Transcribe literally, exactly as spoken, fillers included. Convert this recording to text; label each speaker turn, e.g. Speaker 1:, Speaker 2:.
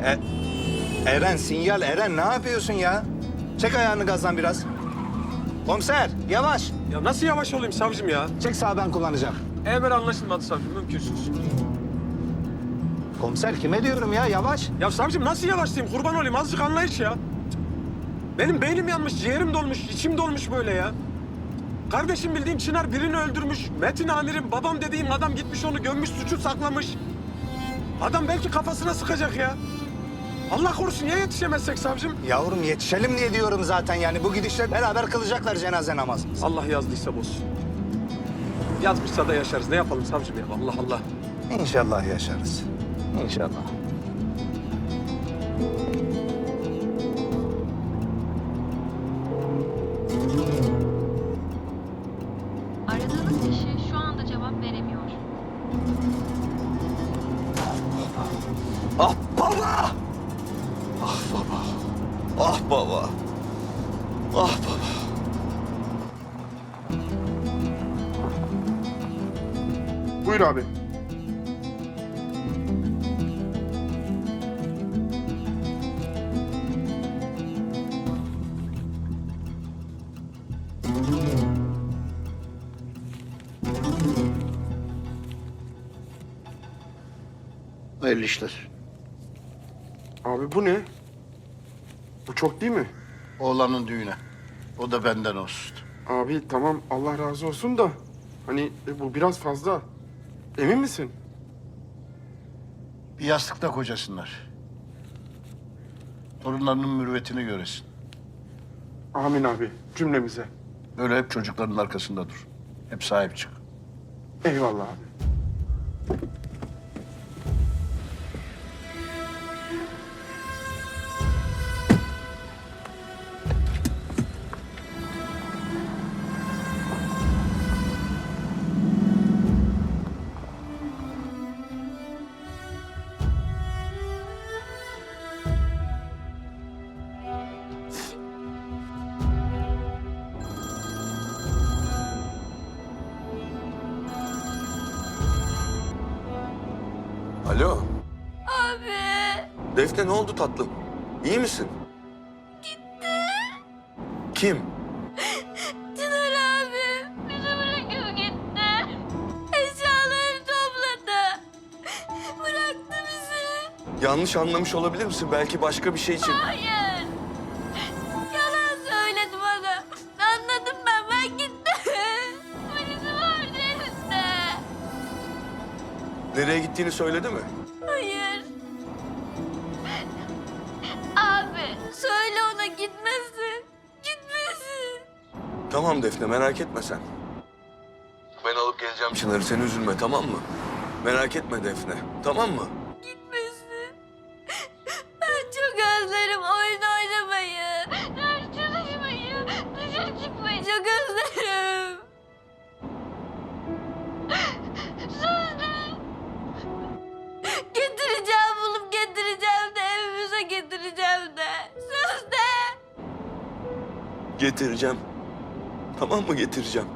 Speaker 1: E, Eren, sinyal Eren ne yapıyorsun ya? Çek ayağını gazdan biraz. Komiser, yavaş.
Speaker 2: Ya nasıl yavaş olayım savcım ya?
Speaker 1: Çek sağa, ben kullanacağım.
Speaker 2: Emir anlaşılmadı savcım, mümkünsüz.
Speaker 1: Komiser, kime diyorum ya, yavaş.
Speaker 2: Ya savcım nasıl yavaşlayayım? Kurban olayım, azıcık anlayış ya. Benim beynim yanmış, ciğerim dolmuş, içim dolmuş böyle ya. Kardeşim bildiğim Çınar birini öldürmüş. Metin amirim, babam dediğim adam gitmiş onu gömmüş, suçu saklamış. Adam belki kafasına sıkacak ya. Allah korusun ya yetişemezsek savcım?
Speaker 1: Yavrum yetişelim diye diyorum zaten yani. Bu gidişle beraber kılacaklar cenaze namazımızı.
Speaker 2: Allah yazdıysa bozsun. Yazmışsa da yaşarız. Ne yapalım savcım ya? Allah Allah.
Speaker 1: İnşallah yaşarız. İnşallah.
Speaker 3: Aradığınız kişi şu anda cevap veremiyor.
Speaker 4: Ah baba! Ah baba! Ah baba! Ah baba!
Speaker 5: Buyur abi.
Speaker 6: Hayırlı işler.
Speaker 5: Abi bu ne? Bu çok değil mi?
Speaker 6: Oğlanın düğüne. O da benden olsun.
Speaker 5: Abi tamam Allah razı olsun da hani e, bu biraz fazla. Emin misin?
Speaker 6: Bir yastıkta kocasınlar. Torunlarının mürüvvetini göresin.
Speaker 5: Amin abi cümlemize.
Speaker 6: Böyle hep çocukların arkasında dur. Hep sahip çık.
Speaker 5: Eyvallah abi.
Speaker 4: Alo,
Speaker 3: Abi.
Speaker 4: Defne ne oldu tatlım? İyi misin?
Speaker 3: Gitti.
Speaker 4: Kim?
Speaker 3: Çınar abi. Bizi bırakıp gitti. Eşyaları topladı. Bıraktı bizi.
Speaker 4: Yanlış anlamış olabilir misin? Belki başka bir şey için.
Speaker 3: Hayır. Yalan söyledi bana. Anladım ben. Ben gittim. Polisi vardı elinde.
Speaker 4: Nereye gittiğini söyledi mi?
Speaker 3: Hayır. Abi söyle ona gitmesin. Gitmesin.
Speaker 4: Tamam Defne, merak etme sen. Ben alıp geleceğim Çınar'ı, sen üzülme, tamam mı? Merak etme Defne, tamam mı?
Speaker 3: Gitmesin. Ben çok özlerim oyun oynamayı. Ders çalışmayı. Dışarı çıkmayı çok özlerim. Söz de. Getireceğim bulup getireceğim de evimize getireceğim de. Söz de.
Speaker 4: Getireceğim. Tamam mı, getireceğim?